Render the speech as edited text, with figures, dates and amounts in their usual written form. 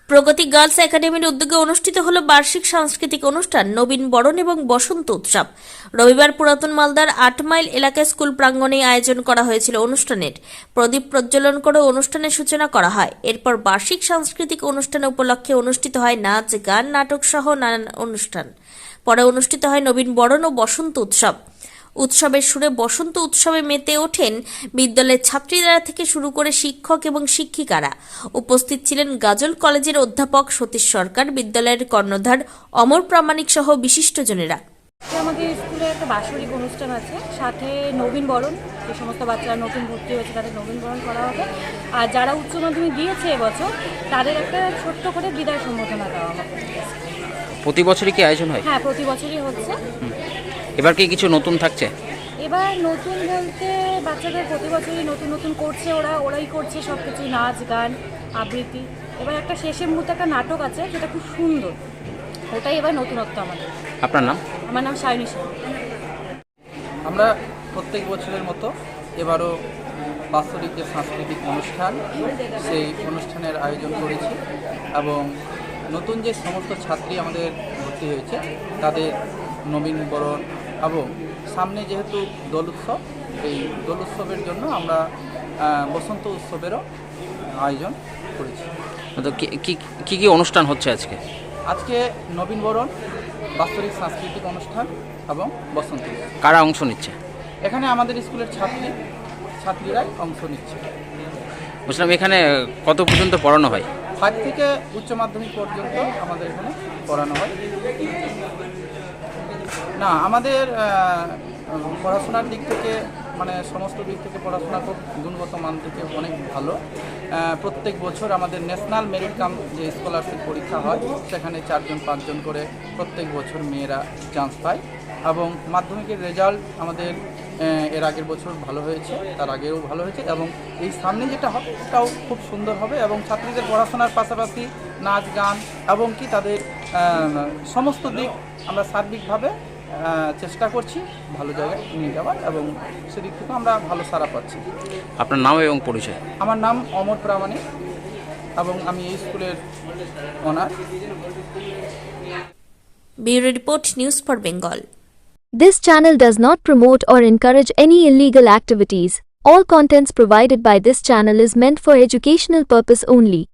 প্রগতি গার্লস একাডেমির উদ্যোগে অনুষ্ঠিত হল বার্ষিক সাংস্কৃতিক অনুষ্ঠান নবীন বরণ এবং বসন্ত উৎসব। রবিবার পুরাতন মালদার ৮ মাইল এলাকায় স্কুল প্রাঙ্গণে আয়োজন করা হয়েছিল অনুষ্ঠানের। প্রদীপ প্রজ্বলন করে অনুষ্ঠানের সূচনা করা হয়। এরপর বার্ষিক সাংস্কৃতিক অনুষ্ঠান উপলক্ষে অনুষ্ঠিত হয় নাচ, গান, নাটক সহ নানান অনুষ্ঠান। পরে অনুষ্ঠিত হয় নবীন বরণ ও বসন্ত উৎসব। উৎসবের সুরে বসন্ত উৎসবে মেতে ওঠেন বিদ্যালয়ের ছাত্রীরা থেকে শুরু করে শিক্ষক এবং শিক্ষিকারা। উপস্থিত ছিলেন গাজল কলেজের অধ্যাপক সতীশ সরকার, বিদ্যালয়ের কর্ণধার অমর প্রামাণিক সহ বিশিষ্টজনেরা। আমাদের স্কুলে একটা বাৎসরিক অনুষ্ঠান আছে, সাথে নবীন বরণ, যে সমস্ত বাচ্চারা নতুন ভর্তি হয়েছে তাদের নবীন বরণ করা হবে। আর যারা উচ্চ মাধ্যমিক দিয়েছে এবছর তাদের একটা ছোট্ট করে বিদায় সম্বোধনা দেওয়া হবে। প্রতি বছরই কি আয়োজন হয়? হ্যাঁ, প্রতি বছরই হচ্ছে। এবার কি কিছু নতুন থাকছে? এবার নতুন বলতে বাচ্চাদের প্রতি বছরই নতুন নতুন করছে, ওরাই করছে সব কিছু, নাচ, গান, আবৃত্তি। এবার একটা শেষের মুহূর্তে একটা নাটক আছে যেটা খুব সুন্দর, ওটাই এবার নতুনত্ব আমাদের। আপনার নাম? আমার নাম সায়নী সাহা। আমরা প্রত্যেক বছরের মতো এবারও বাৎসরিক যে সাংস্কৃতিক অনুষ্ঠান, সেই অনুষ্ঠানের আয়োজন করেছি এবং নতুন যে সমস্ত ছাত্রী আমাদের ভর্তি হয়েছে তাদের নবীন বরণ এবং সামনে যেহেতু দোল উৎসব, এই দোল উৎসবের জন্য আমরা বসন্ত উৎসবেরও আয়োজন করেছি। তো কি কি অনুষ্ঠান হচ্ছে আজকে? আজকে নবীন বরণ, বাৎসরিক সাংস্কৃতিক অনুষ্ঠান এবং বসন্ত উৎসব। কারা অংশ নিচ্ছে? এখানে আমাদের স্কুলের ছাত্রীরাই অংশ নিচ্ছে। বুঝলাম, এখানে কত পর্যন্ত পড়ানো হয়? 5 থেকে উচ্চ মাধ্যমিক পর্যন্ত আমাদের এখানে পড়ানো হয়। না, আমাদের পড়াশোনার দিক থেকে মানে সমস্ত দিক থেকে পড়াশোনা খুব গুণগত মান থেকে অনেক ভালো। প্রত্যেক বছর আমাদের ন্যাশনাল মেরিট কাম যে স্কলারশিপ পরীক্ষা হয়, সেখানে 4-5 জন করে প্রত্যেক বছর মেয়েরা চান্স পায় এবং মাধ্যমিকের রেজাল্ট আমাদের এর আগের বছর ভালো হয়েছে, তার আগেও ভালো হয়েছে এবং এই সামনে যেটা হবে সেটাও খুব সুন্দর হবে এবং ছাত্রীদের পড়াশোনার পাশাপাশি নাচ, গান এবং কি তাদের সমস্ত দিক আমরা সার্বিকভাবে চেষ্টা করছি ভালো জায়গায় নিয়ে যাওয়ার এবং সেদিক থেকে আমরা ভালো সাড়া পাচ্ছি। আপনার নাম এবং পরিচয়? আমার নাম অমর প্রামাণিক এবং আমি এই স্কুলের honour. Bureau report, news for Bengal. This channel does not promote or encourage any illegal activities. All contents provided by this channel is meant for educational purpose only.